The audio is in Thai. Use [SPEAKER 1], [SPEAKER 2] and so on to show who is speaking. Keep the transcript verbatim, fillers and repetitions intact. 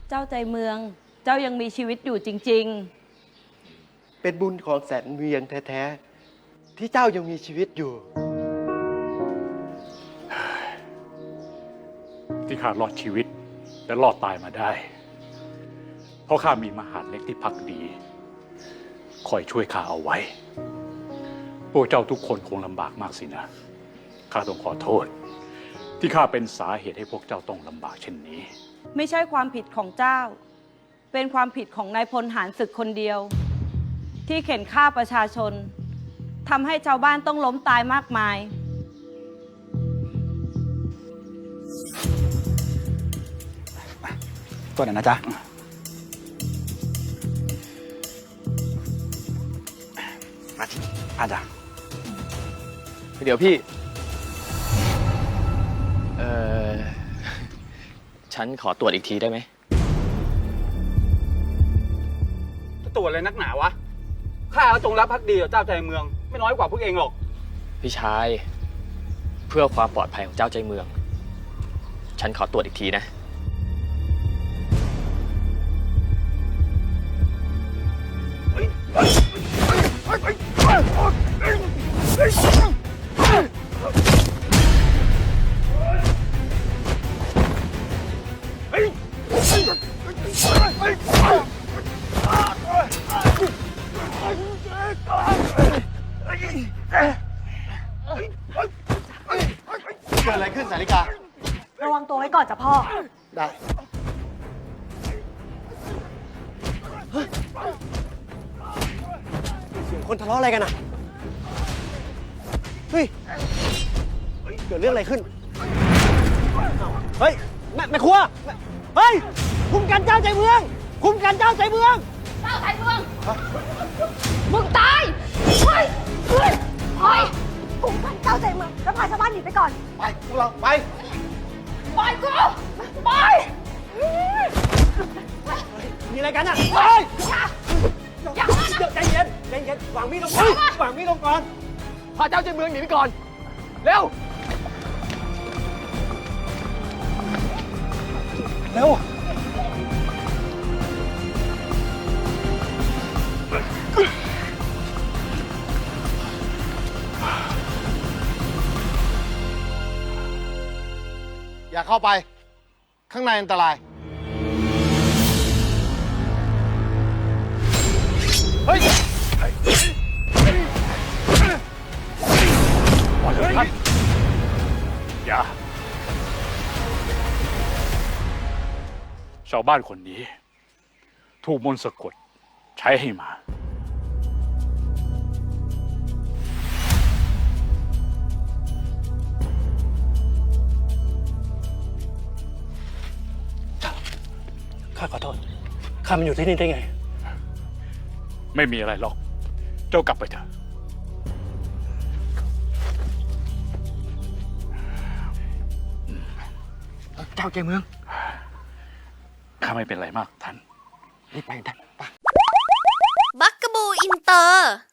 [SPEAKER 1] เจ้าใจเมืองเจ้ายังมีชีวิตอยู่จริง
[SPEAKER 2] ๆเป็นบุญของแสนเวียงแท้ๆที่เจ้ายังมีชีวิตอยู่
[SPEAKER 3] ที่ข้ารอดชีวิตและรอดตายมาได้เพราะข้ามีมหาดเล็กที่พักดีคอยช่วยข้าเอาไว้พวกเจ้าทุกคนคงลำบากมากสินะข้าต้องขอโทษที่ข้าเป็นสาเหตุให้พวกเจ้าต้องลำบากเช่นนี้
[SPEAKER 1] ไม่ใช่ความผิดของเจ้าเป็นความผิดของนายพลหารศึกคนเดียวที่เข็นฆ่าประชาชนทำให้ชาวบ้านต้องล้มตายมากมาย
[SPEAKER 4] ตัวไหนนะจ๊ะมาที่อาจารย์
[SPEAKER 2] เดี๋ยวพี่
[SPEAKER 5] เออฉันขอตรวจอีกทีได้ไหม
[SPEAKER 4] จะตรวจอะไรนักหนาวะข้าก็จงรักภักดีต่อเจ้าใจเมืองไม่น้อยกว่าพวกเองหรอก
[SPEAKER 5] พี่ชายเพื่อความปลอดภัยของเจ้าใจเมืองฉันขอตรวจอีกทีนะ
[SPEAKER 2] เกิดอะไรขึ้นสาริการะวังตัวไว้ก่อนจ้ะพ่อได้เสียงคนทะเลาะอะไรกันอ่ะเฮ้ยเกิดเรื่องอะไรขึ้นเฮ้ยแม่แม่ครัวเฮ้ยคุมกันเจ้าใจเมืองคุมกันเจ้าใจเมือง
[SPEAKER 6] เจ้าใจเมืองมึงตายเฮ้ยเฮ้ยเฮ้ยคุมกันเจ้าใจเมืองแล้วพาชาวบ้านหนีไปก่อน
[SPEAKER 2] ไปพวกเราไป
[SPEAKER 6] ปล่อยกูไป
[SPEAKER 2] มีอะไรกันอ่ะเฮ้ย
[SPEAKER 6] อย่า
[SPEAKER 2] ใจเย็นใจเย็นวางมีดลงก่อนวางมีดลงก่อน
[SPEAKER 5] พาเจ้าใจเมืองหนีไปก่อนเร็ว
[SPEAKER 2] เร็วอย่าเข้าไปข้างในอันตรายเฮ้ย
[SPEAKER 3] ปล่อยเลยท่านอย่าชาวบ้านคนนี้ถูกมนต์สะกดใช้ให้มา
[SPEAKER 2] ข้าขอโทษข้ามันอยู่ที่นี่ได้ไง
[SPEAKER 3] ไม่มีอะไรหรอกเจ้ากลับไปเถอะ
[SPEAKER 4] เจ้าใจเมือง
[SPEAKER 3] ข้าไม่เป็นไรมากท่าน
[SPEAKER 4] รีบไปท่านไป
[SPEAKER 7] บักกะบูอินเตอร์